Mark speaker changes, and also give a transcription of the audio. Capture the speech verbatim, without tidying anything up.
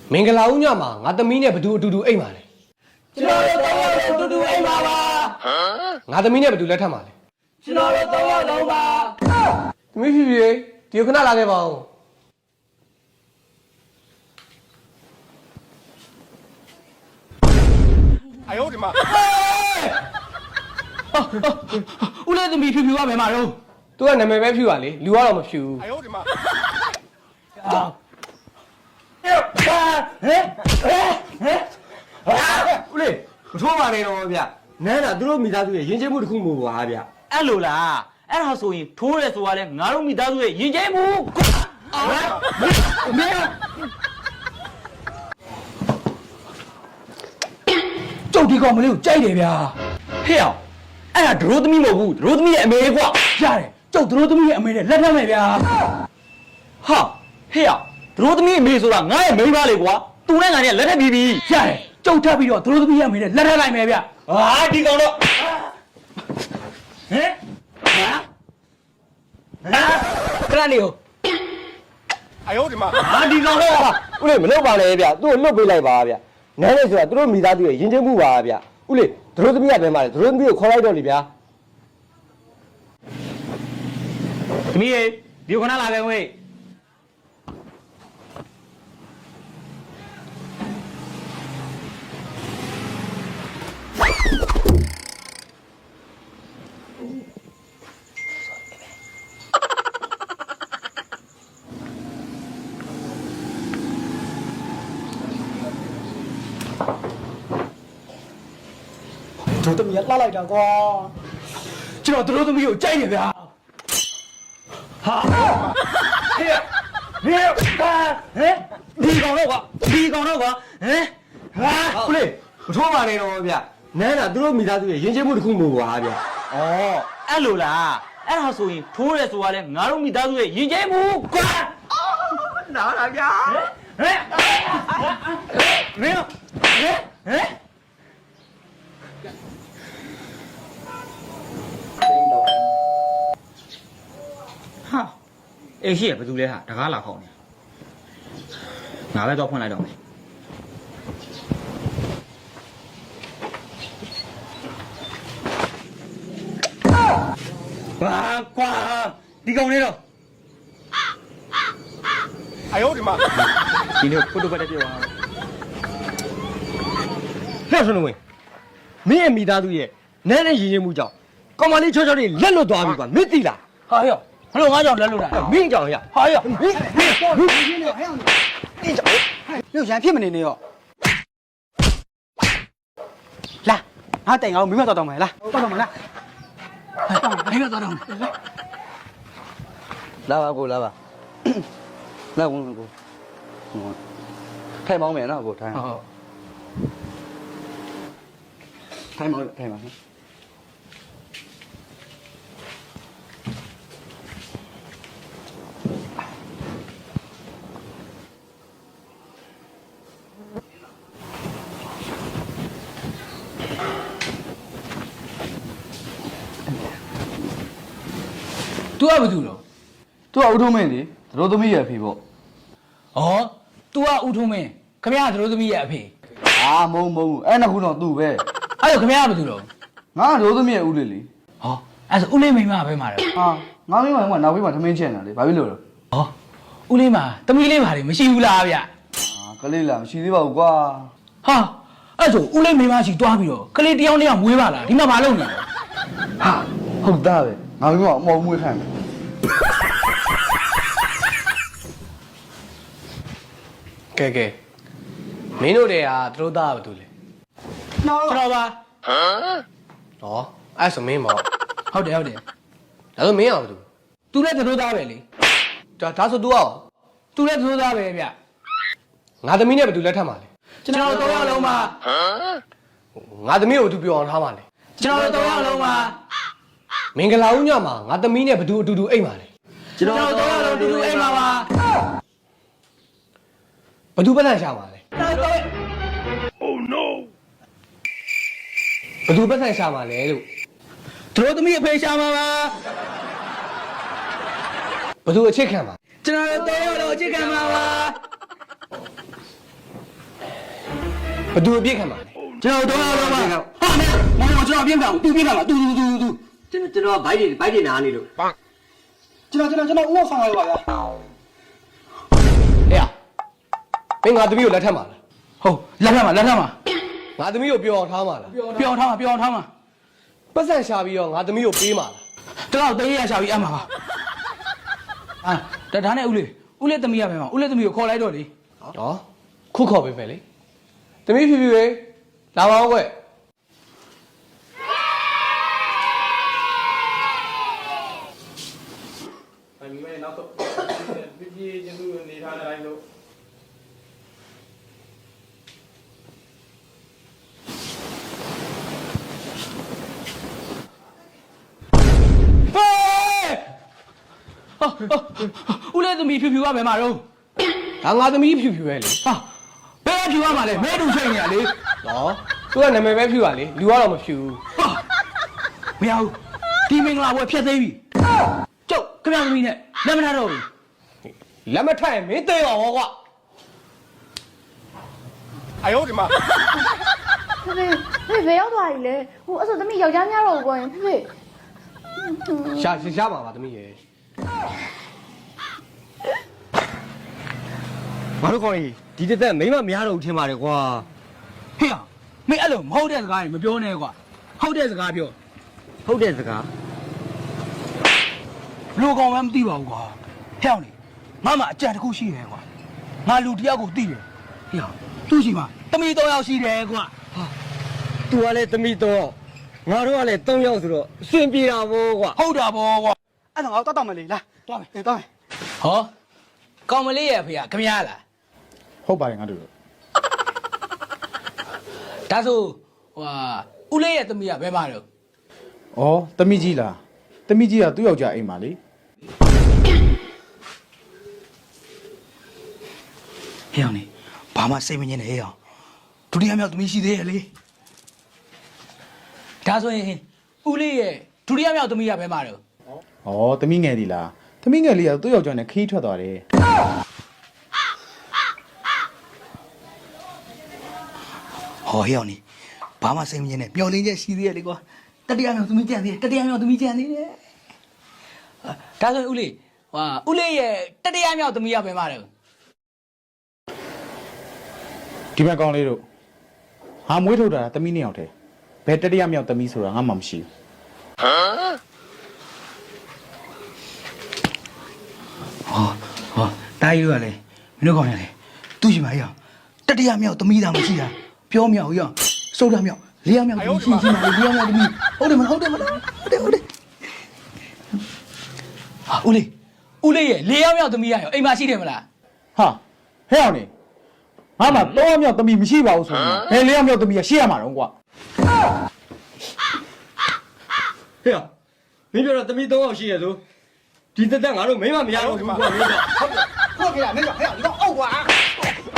Speaker 1: မင်္ဂလာဦးညမှာငါသမီးနဲ့ဘသူအတူတူအိမ်ပါလေ
Speaker 2: ကျွန်တော်တို့တော့အတူတူအိမ်ပါပါ
Speaker 1: ငါသမီးနဲ့ဘသူလက်ထပ်ပါလေ
Speaker 2: ကျွန်တော်တို့တော့လုံးပါ
Speaker 1: သမီးဖြည်းဖြည်းဒီခဏလာခဲ့ပါဦး
Speaker 3: 哎呦我的妈！
Speaker 2: ဦးလေးသမီးဖြူဖြူကဘယ်မှာတော့
Speaker 1: သူကနာမည်ပဲဖြူပါလေလူကတော့မဖြူဘူး
Speaker 3: 哎呦我的妈！
Speaker 2: ဟဲ့ဟဲ့ဟဲ့
Speaker 4: ဦးလေးမထိုးပါနဲ့တော့ဗျနန်းတာသူတို့မိသားစုရဲ့ရင်ကျေးမှုတစ်ခုမို့ပါဗျ
Speaker 2: အဲ့လိုလားအဲ့ဒါဆိုရင်ထိုးရဲဆိုတာလဲငါတို့မိသားစုရဲ့ရင်ကျဲမှုမင်းကျုပ်ဒီကောင်မလေးကိုကြိုက်တယ်ဗျာဟဲ့အောင်အဲ့ဒါဒရိုးသမီးမဟုတ်ဘူးဒရိုးသမီးရဲ့အမေကွာရတယ်ကျုပ်ဒရိုးသမီးရဲ့အမေနဲ့လက်ထပ်မယ်ဗျာဟာဟဲ့အောင်ဒရိုးသမီးအမေဆိုတာငါရဲ့မိန်းမလေးကွာသူနဲ့ငါနဲ့လက်ထပ်ပြီးပြီရတယ်ကျုပ်ထပ်ပြီးတော့ဒရိုးသမီးရဲ့အမေနဲ့လက်ထပ်လိုက်မယ်ဗျာဟာဒီကောင်တော့ဟဲ့ဟာဟာခဏလေးကို
Speaker 3: 哎呦我的妈！
Speaker 2: ဟာဒီကောင်တော့
Speaker 4: ဦးလေးမလုပ်ပါနဲ့ဗျသူ့ကိုလွတ်ပေးလိုက်ပါဗျနန်းလေးဆိုတာသူတို့မိသားစုရဲ့ရင်ကျေးမှုပါဗျဦးလေးသူတို့သမီးကဘယ်မှာလဲသူတို့သမီးကိုခေါ်လိုက်တော့လေဗျာ
Speaker 2: သမီးရေဒီခဏလာခဲ့ဝေး
Speaker 4: တို့သမီးကလှလိုက်တာကွာ
Speaker 2: ကျွန်တော်တို့သမီးကိုကြိုက်နေဗျာဟာဟဲ့ဟဲ့ဟာဟဲ့ဒီကောင်တော့ကွာဒီကောင်တော့ကွာဟဲ့ဟာ
Speaker 4: ဦးလေးမထိုးပါနဲ့တော့ဗျနန်းတာသူတို့မိသားစုရဲ့ရင်ကျေးမှုတစ်ခုမို့ပါဗျ
Speaker 2: ဩအဲ့လိုလားအဲ့ဒါဆိုရင်ထိုးရဲဆိုတာလဲငါတို့မိသားစုရဲ့ရင်ကျဲမှုကွာ
Speaker 4: နားလာဗျာ
Speaker 2: ဟဲ့မင်းဟဲ့ဟဲ့ဟာအေးရှိရဘယ်သူလဲဟာတကားလာခေါက်နေငါပဲတော့ဖွင့်လိုက်တော့မယ်ဘာကွာဒီကောင်လေးတော့
Speaker 3: 哎呦我的妈！
Speaker 2: ဒီနေ့ဖုတ်တော့ပတ်တက်ပြောပါ
Speaker 4: ဟဲ့ဆွနဝင်မင်းရဲ့မိသားစုရဲ့နန်းနဲ့ရင်ကျေးမှုကြောင့်ကောင်မလေးချောချောလေးလက်လွတ်သွားပြီကွာမင်းသိလား
Speaker 2: ဟာရောဘလို့ငါကြောင့်လက်လို့တာ
Speaker 4: မင်းကြောင့်ရ
Speaker 2: ဟာရော
Speaker 4: မင်းမင်းဟဲ့အောင်မင်းကြောင့်
Speaker 5: မြို့ရန်ဖြစ်မနေနဲ့ရောလာငါတိုင်ငါ့ကိုမိမတော်တော်မယ်လားတော်တော်မလား
Speaker 2: မိမတော်တော်
Speaker 4: လာပါကိုလာပါလာဝင်ကိုထိုင်မောင်းမယ်နော်ကိုထိုင်
Speaker 2: ဟုတ်
Speaker 4: ထိုင်မောင်းထိုင်ပါ
Speaker 2: तू ကဘာတူတော့
Speaker 5: तू ကဦးထုံးမင်းလေတို့သမီးရဲ့အဖေပေါ့
Speaker 2: ဩ तू ကဦးထုံးမင်းခမရတို့သမီးရဲ့အဖေ
Speaker 5: အာမုံမုံအဲ့နှစ်ခုတော့သူ့ပဲ
Speaker 2: အဲ့တော့ခမရဘာတူတော့
Speaker 5: ငါတို့သမီးရဲ့ဦးလေးလေ
Speaker 2: ဟောအဲ့ဆိုဦးလေးမိမပဲမှာတော့
Speaker 5: ဟာငါမိမကနောက်ဘေးမှာထမင်းချက်နေတာလေဘာဖြစ်လို့လဲ
Speaker 2: ဟောဦးလေးမှာသမီးလေးပါလေမရှိဘူးလားဗျ
Speaker 5: အာကလေးလားမရှိသေးပါဘူးကွာ
Speaker 2: ဟာအဲ့ဆိုဦးလေးမိမရှိတွားပြီးတော့ကလေးတယောက်တယောက်မွေးပါလားဒီမှာမလုပ်နေလဲ
Speaker 5: ဟာဟုတ်သားပဲငါမိမအမော်မွေးခိုင်းတယ်
Speaker 1: ကဲကဲမင်းတို့တွေကသူတို့သားကဘာတူလဲ
Speaker 2: ကျွန်တော်ပါ
Speaker 1: ဟောအဲ့ဆိုမင်းမော်
Speaker 2: ဟုတ်တယ်ဟုတ်တယ်
Speaker 1: ဒါဆိုမင်းအောင်ဘာတူ
Speaker 2: तू လည်းတို့သားပဲလေ
Speaker 1: ဒါဒါဆို तू အောင်
Speaker 2: तू လည်းတို့သားပဲဗျ
Speaker 1: ငါသမီးနဲ့ဘသူလက်ထပ်ပါလဲ
Speaker 2: ကျွန်တော်တို့တော့လုံးပါ
Speaker 1: ငါသမီးကိုသူပြောအောင်ထားပါလေ
Speaker 2: ကျွန်တော်တို့တော့လုံးပါ
Speaker 1: မင်္ဂလာဦးညမှာငါသမီးနဲ့ဘသူအတူတူအိမ်ပါလေ
Speaker 2: ကျွန်တော်တို့တော့လုံးတူတူအိမ်ပါပါ
Speaker 1: ဘသူပတ်သက်ရှာပါလဲ
Speaker 3: Oh no！
Speaker 1: ဘသူပတ်သက်ရှာပါလဲလို့
Speaker 2: တို့သမီးအဖေရှာမှာပါ
Speaker 1: ဘသူအချစ်ခံပါ
Speaker 2: ကျွန်တော်တို့တော့အချစ်ခံပါပါ
Speaker 1: ဘသူအပြစ်ခံပါလဲ
Speaker 2: ကျွန်တော်တော့တော့ပါဟာနဲ့မောင်ကျွန်တော်ပြင်းခံသူပြင်းခံပါသူသူသူသူ
Speaker 4: ကျွန်တော်ကျွန်တော်ဘိုက်တွေဘိုက်တွေနားနေလို့
Speaker 2: ကျွန်တော်ကျွန်တော်ကျွန်တော်ဥအောင်ဆောင်ရပါဗျာ
Speaker 1: ဟဲ့မင်းငါသမီးကိုလက်ထပ်မှာလား
Speaker 2: ဟုတ်လက်ထက်မှာလက်ထက်မှာ
Speaker 1: ငါသမီးကိုပြောအောင်ထားမှာလား
Speaker 2: ပြောင်းထားမှာပြောင်းထားမှာ
Speaker 1: ပတ်စံရှာပြီးတော့ငါသမီးကိုပေးမှာလား
Speaker 2: ကျွန်တော်တေးရရှာပြီးအမှာပါအာဒါဒါနဲ့ဦးလေးဦးလေးသမီးရမယ်မဦးလေးသမီးကိုခေါ်လိုက်တော့လေ
Speaker 1: ဟောခုခေါ်ပေးမယ်လေသမီးဖြူဖြူရေလာပါဦးကွ
Speaker 5: အမေနောက်တော့ပြပြချင်းသူနေထားတဲ့အတိုင်းလို့
Speaker 2: ဟေးဦးလေးသမီးဖြူဖြူရမယ်မတော့
Speaker 1: ဒါငါသမီးဖြူဖြူပဲလေ
Speaker 2: ဟာဘယ်ဖြူရမှာလဲမဲတူချိန်နေရလေ
Speaker 1: ဟောသူကနာမည်ပဲဖြူပါလေလူကတော့မဖြူဘူး
Speaker 2: ဟာမရဘူးဒီမင်္ဂလာဘွယ်ဖြတ်သိမ်းပြီကျုပ်ခမရသမီးနဲ့လက်မထားတော့ဘူး
Speaker 1: လက်မထက်ရင်မင်းသိအောင်ဟောကွာ
Speaker 3: 哎呦我的妈！
Speaker 6: ဖေဖေဖေဖေရောက်သွားပြီလေဟိုအဲ့ဆိုသမီးယောက်ျားများတော့ဘောရင်ဖေဖေ
Speaker 1: ရှာရှာပါပါသမီးရေ
Speaker 4: ဘာလို့ခေါ်လဲဒီတက်တက်မိမမရတော့ဘူးထင်ပါတယ်ကွာ
Speaker 2: ဟေ့မင်းအဲ့လိုမဟုတ်တဲ့စကားတွေမပြောနဲ့ကွာဟုတ်တဲ့စကားပြော
Speaker 4: ဟုတ်တဲ့စကား
Speaker 2: ဘလို့ကောင်မှမသိပါဘူးကွာဟဲ့အောင်လေငါမှအကြံတစ်ခုရှိတယ်ကွာငါလူတစ်ယောက်ကိုသိတယ်ဟေ့သူ့ရှိမှာတမီတော့ယောက်ရှိတယ်ကွာ
Speaker 4: သူကလည်းသမီးတော့ငါတို့ကလည်း၃ယောက်ဆိုတော့အဆင်ပြေတာဗောကွာ
Speaker 2: ဟုတ်တာဗောကွာ
Speaker 5: အဲ့ဒါငါတော့တောက်မယ်လေလား
Speaker 2: သွားမယ်
Speaker 5: အေးတောက်မယ်
Speaker 2: ဟောကောင်မလေးရဲ့ဖေကခမရလား
Speaker 5: ဟုတ်ပါတယ်ငါတို့
Speaker 2: ဒါဆိုဟိုဟာဦးလေးရဲ့သမီးကဘယ်မှာတော့
Speaker 5: ဩတမိကြီးလားတမိကြီးကသူ့ယောက်ျားအိမ်မှာလေ
Speaker 2: ဟေ့အောင်လေဘာမှစိတ်မငြင်းနဲ့ဟေ့အောင်ဒုတိယမြောက်သမီးရှိသေးရဲ့လေဒါဆိုရင်ဦးလေးရဲ့ဒုတိယမြောက်သမီးကဘယ်မှာတော့
Speaker 5: ဩတမိငယ်ဒီလားတမိငယ်လေးကသူ့ယောက်ျားနဲ့ခီးထွက်သွားတယ်
Speaker 2: ဟောဟေ့အောင်လေဘာမှစိတ်မငြင်းနဲ့ပျော်လင်းချက်ရှိသေးရဲ့လေကွာတတိယမြောက်သမီးကြံသေးတယ်တတိယမြောက်သမီးကြံသေးတယ်ဒါဆိုရင်ဦးလေးဟာဦးလေးရဲ့တတိယမြောက်သမီးကဘယ်မှာတော့
Speaker 5: ဒီဘက်ကောင်းလေးတို့ဟာမွေးထုတ်တာတမိနှစ်ယောက်တည်းဘယ်တတိယမြောက်တမိဆိုတာငါမှမရှိဘူး
Speaker 2: ဟောဟောတားရီတို့ကလည်းမင်းတို့ကောင်းနေလေသူ့ရှိမှာဟေ့အောင်တတိယမြောက်သမီးသားမရှိတာပြောမြောက်ဟေ့အောင်စိုးတာမြောက်လေးယောက်မြောက်သမီးရှိရှိမှာလေးယောက်မြောက်သမီးဟုတ်တယ်မလားဟုတ်တယ်မလားဟုတ်တယ်ဟုတ်တယ်ဟာဦးလေးဦးလေးရဲ့လေးယောက်မြောက်သမီးရရောအိမ်မှာရှိတယ်မလား
Speaker 5: ဟာဟဲ့အောင်နေငါမှ၃ယောက်မြောက်တမိမရှိပါဘူးဆိုရင်ဘယ်၄ယောက်မြောက်တမိကရှိရမှာတော့ကွာ
Speaker 4: ဟေ့ရမင်းပြောတော့သမီး၃ယောက်ရှိရဆိုဒီတက်တက်ငါတို့မိမမရတော့ဘူးကွာမင်းက
Speaker 3: 过去了，那个，哎呀，你给我沤过啊！